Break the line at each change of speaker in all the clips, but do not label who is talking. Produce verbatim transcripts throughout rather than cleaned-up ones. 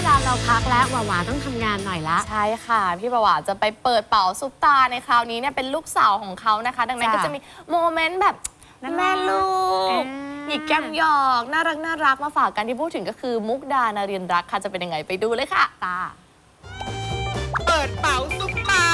ลาเราพักแล้วหวาหวาต้องทำงานหน่อยละ
ใช่ค่ะพี่ประวัติจะไปเปิดเป๋าซุปตาในคราวนี้เนี่ยเป็นลูกสาวของเขานะคะดังนั้นก็จะมีโมเมนต์แบบแม่ลูกหยิกแก้มหยอกน่ารักน่ารักมาฝากกันที่พูดถึงก็คือมุกดานารีนรักค่ะจะเป็นยังไงไปดูเลยค่ะตา
เปิดเป๋าซุปตา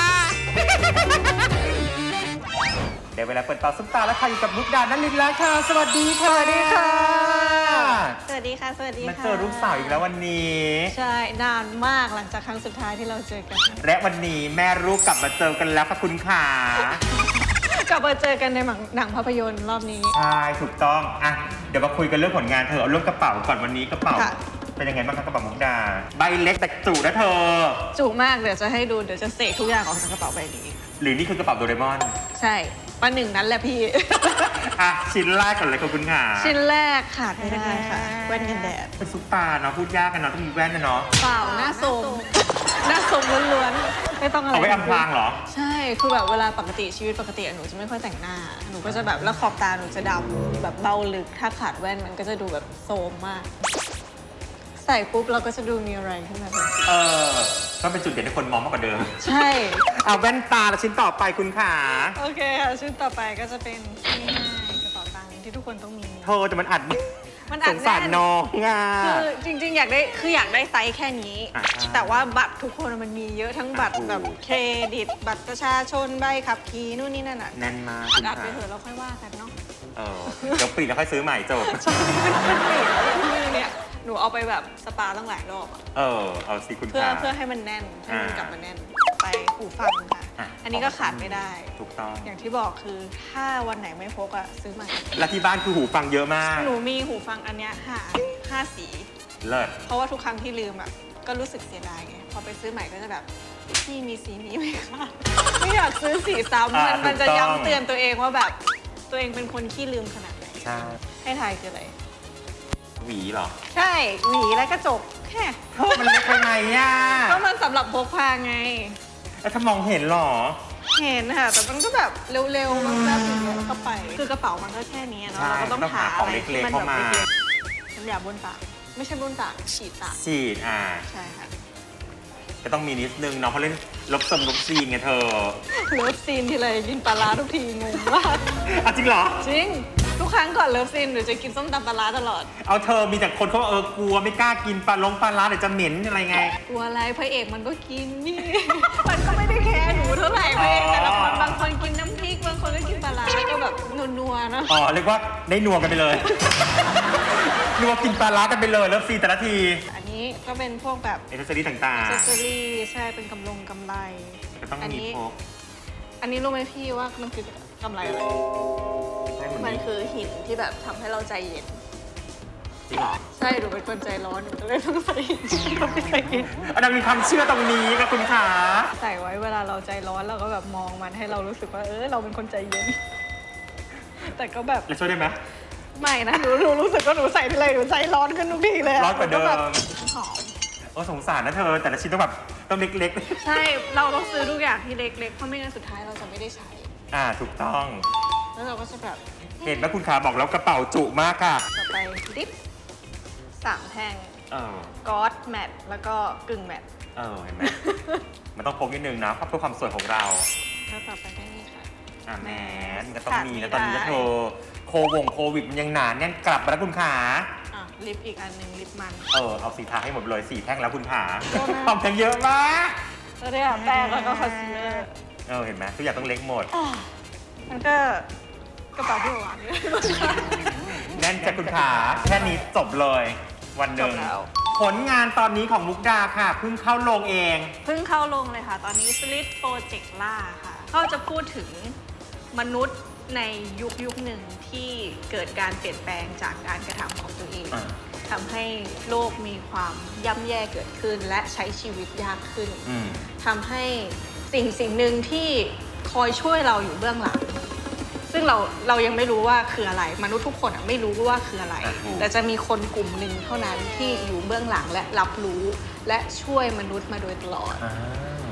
เดี๋ยวเวลาเปิดเป๋าซุปตาแล้วค่ะอยู่กับมุกดานารินรักค่ะสวัสดีค่ะสวัสดีค่ะ
สวัสดีค่ะสวัสดีค่ะ
มาเจอลูกสาวอีกแล้ววันนี้
ใช่นานมากหลังจากครั้งสุดท้ายที่เราเจอกัน
และวันนี้แม่ลูกกลับมาเจอกันแล้วค่ะคุณข
ากลับมาเจอกันในหนังภาพยนตร์รอบนี้
ใช่ถูกต้องอ่ะเดี๋ยวมาคุยกันเรื่องผลงานเธอเอาเรื่องกระเป๋าก่อนวันนี้กระเป๋าเป็นยังไงบ้างคะกระเป๋ามุกดาใบเล็กแต่จุนะเธอ
จุมากเดี๋ยวจะให้ดูเดี๋ยวจะเสกทุกอย่างออกจากกระเป๋าใบนี้
หรือนี่คือกระเป๋าโดเรมอน
ใช่ป้าหนึ่งนั้นแหละพี่
อ่ะชิ้นแรกก่อนเลยค่ะคุณขา
ชิ้นแรกขาดไม่ได้ค่ะแว่นกันแดด
เป็นซุปตาเนาะพูดยากกันเนาะต้องมีแว่นนะเนาะ
เปล่าหน้าสมหน้าสมล้วนๆไม่ต้องอะไร
เอาไว้อำพรางเหรอ
ใช่คือแบบเวลาปกติชีวิตปกติหนูจะไม่ค่อยแต่งหน้าหนูก็จะแบบแล้วขอบตาหนูจะดำแบบเบาลึกถ้าขาดแว่นมันก็จะดูแบบโซมมากใส่ปุ๊บเราก็จะดูมีอะไรขึ้นมาทันที
เออก็เป็นจุดเด่นที่คนมองมากกว่าเดิม
ใช่
เอาแว่นตาแล้วชิ้นต่อไปคุณขา
โอเคค่ะชิ้นต่อไปก็จะเป็นง่ายๆกระเป๋าตังค์ที่ทุกคนต้องมี
เธอแต่มันอัด
มันอัด
สงสารน้องอ่ะ
คือจริงๆอยากได้คืออยากได้ไซส์แค่นี้แต่ว่าบัตรทุกคนมันมีเยอะทั้งบัตรแบบเครดิตบัตรประชาชนใบขับขี่นู่นนี่นั่นอ่ะ
แน่นมาก
อัดไปเถอะเราค่อยว่ากันเนาะ
เออเดี๋ยวปิดแล้วค่อยซื้อใหม่จบ
ใช่มันปิดแล้วเนี่ยหนูเอาไปแบบสปาตั้งหลายรอบอ่ะ
เออเอาสิคุณ
เพื่อเพื่อให้มันแน่นให้มันกลับมาแน่นไปหูฟังค่ะอันนี้ก็ขาดไม่ได้
ถูกต้อง
อย่างที่บอกคือถ้าวันไหนไม่พกอ่ะซื้อใหม่
และที่บ้านคือหูฟังเยอะมาก
หนูมีหูฟังอันเนี้ยห้าห้าสี
เลิศ
เพราะว่าทุกครั้งที่ลืมอ่ะก็รู้สึกเสียดายไงพอไปซื้อใหม่ก็จะแบบพี่มีสีนี้ไหมคะไม่อยากซื้อสีซ้ำมันมันจะย้ำเตือนตัวเองว่าแบบตัวเองเป็นคนขี้ลืมขนาดไหน
ใช่
ให้ทายคืออะไร
หวีเหรอ
ใช่หวีและกระจกแค่
มันเล็กไปไหนอ่ะ
ก็มันสำหรับพกพาไง
แล้วถ้ามองเห็นหรอ
เห็นค่ะแต่มันก็แบบเร็วๆมันแบบอย่างเงี้ยก็ไปคือกระเป๋ามันก็แค่นี้เนาะเราก็ต้องหาอะไรที่มันแบบเล็กๆน้ำยาบ้วนปากไม่ใช่บ้วนปากฉีดปาก
ฉีดอ่า
ใช่ค่ะ
ก็ต้องมีนิดนึงเนาะเพราะเล่นลบสมลบซีนไงเธอ
เลิฟซีนทีไรกินปลาร้าทุกทีงงมาก
อ่ะจริงเหรอ
จริงทุกครั้งก่อนเลิฟซีนหนูจะกินส้มตำปลาร้าตลอด
เอาเธอมีแต่คนเขาเออกลัวไม่กล้ากินปลาลงปลาร้าเดี๋ยวจะเหม็นอะไรไง
กลัวอะไรพระเอกมันก็กินนี่มันก็ไม่ได้แคร์หนูเท่าไหร่พระเอกแต่ละคนบางคนกินน้ำพริกบางคนก็กินปลาร้าก็แบบนัวๆเนาะ
อ๋อเรียกว่าได้นัวกันไปเลยนัวกินปลาร้ากันไปเลยเลิฟซีนแต่ละที
อันนี้ก็เป็นพวกแบบ
เอเซอรี่ต่างๆ
เอเซอรี่ใช่เป็นกำลงกำไร
ก็ต้องมีพก
อันนี้รู้ไหมพี่ว่ามันคือกำไรอะไรมันคือหินที่แบบทำให้เราใจเย็น
จริงเหรอ
ใช่หนูเป็นคนใจร้อนหนูก็เลยต้องใส่หินต้องใส่หิน
อันนั้นมีความเชื่อตรงนี้นะคุณขา
ใส่ไว้เวลาเราใจร้อนเราก็แบบมองมันให้เรารู้สึกว่าเออเราเป็นคนใจเย็นแต่ก็แบบ
จะช่วยได้ไหม
ไม่นะหนูหนูรู้สึกว่าหนูใส่ทีไรหนูใจร้อนขึ้นทุกทีเลย
ร้อนกว่าเดิม
หอม
โอ้สงสารนะเธอแต่ละชิ้นต้องแบบต้องเล็ก
ๆใช่เราต้องซื้อทุกอย่างที่เล็กๆเพราะไม่งั้นสุดท้ายเราจะไม่ได้ใช้
อ่าถูกต้อง
แล้วเราก็จะแบบ
เห็นไหมคุณขาบอกแล้วกระเป๋าจุมากค่ะ
ต่อไปดิฟสามแท่งก๊อตแมทแล้วก็กึ่งแมท
เออเห็นไหมมันต้องพกนิดนึงนะเพื่อความสวยของเรา
แล้วต่อไปได้นี่ค่ะ
อ่าแมสก็ต้องมีนะตอนนี้ก็โทรโควงโควิดมันยังหนาแน่นกลับมาแล้วคุณขา
อ่ะลิปอีกอันหนึ่งลิปมัน
เออเอาสีทาให้หมดเลยสี่แท่งแล้วคุณขาทำแท่งเยอะมาก
แล้วเนี่ยแป้งแล้วก็คอนซีลเลอร์
เออเห็นไหมทุกอย่างต้องเล็กหมด
มันก็กระเป๋าที่หวานนี่
แน่นจากคุณขาแค่นี้จบเลยวันหนึ่งผลงานตอนนี้ของมุกดาค่ะเพิ่งเข้าลงเอง
เพิ่งเข้าลงเลยค่ะตอนนี้ Slit Project ล่าค่ะเขาจะพูดถึงมนุษย์ในยุคยุคหนึ่งที่เกิดการเปลี่ยนแปลงจากการกระทำของตัวเองทำให้โลกมีความย่ำแย่เกิดขึ้นและใช้ชีวิตยากขึ้นทำให้สิ่งสิ่งหนึ่งที่คอยช่วยเราอยู่เบื้องหลังซึ่งเราเรายังไม่รู้ว่าคืออะไรมนุษย์ทุกคนไม่รู้ว่าคืออะไรแต่จะมีคนกลุ่มหนึ่งเท่านั้นที่อยู่เบื้องหลังและรับรู้และช่วยมนุษย์มาโดยตลอด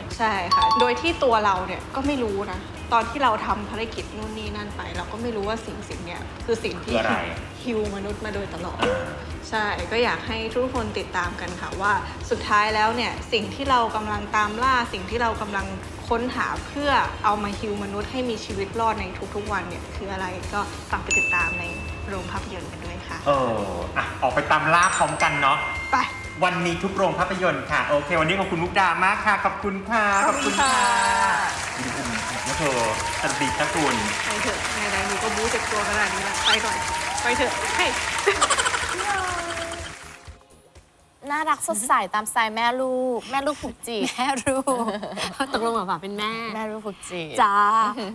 ใช่ค่ะ โดยที่ตัวเราเนี่ยก็ไม่รู้นะ ตอนที่เราทำภารกิจนู่นนี่นั่นไป เราก็ไม่รู้ว่าสิ่งสิ่งเนี้ยคือสิ่งที่
คืออะไร
ฮิวมนุษย์มาโดยตลอด
อ่า
ใช่ก็อยากให้ทุกคนติดตามกันค่ะว่าสุดท้ายแล้วเนี่ยสิ่งที่เรากำลังตามล่าสิ่งที่เรากำลังค้นหาเพื่อเอามาฮิวมนุษย์ให้มีชีวิตรอดในทุกๆวันเนี่ยคืออะไรก็ฝากไปติดตามในโรงภาพยนตร์กันด้วยค่ะ
เอออ่ะออกไปตามล่าพร้อมกันเนาะ
ไป
วันนี้ทุกโรงภาพยนตร์ค่ะ โอเค วันนี้ขอบคุณมุกดามากค่ะ ขอบคุณค่ะ
ขอบคุณค่ะ
ดูอุ่มนะเธอสวัสดีจ้าคุณ
ไปเถอะไหนๆหนูก็บู๊เจ็บตัวขนาดนี้แล้วไปก่อนไปเถอะให้
น่ารักสดใสตามสไตล์แม่ลูก แม่ลูกผูกจีบ
แม่รู้ ตกลงหว่าเป็นแม่
แม่ลูกผูกจีบ
จ้า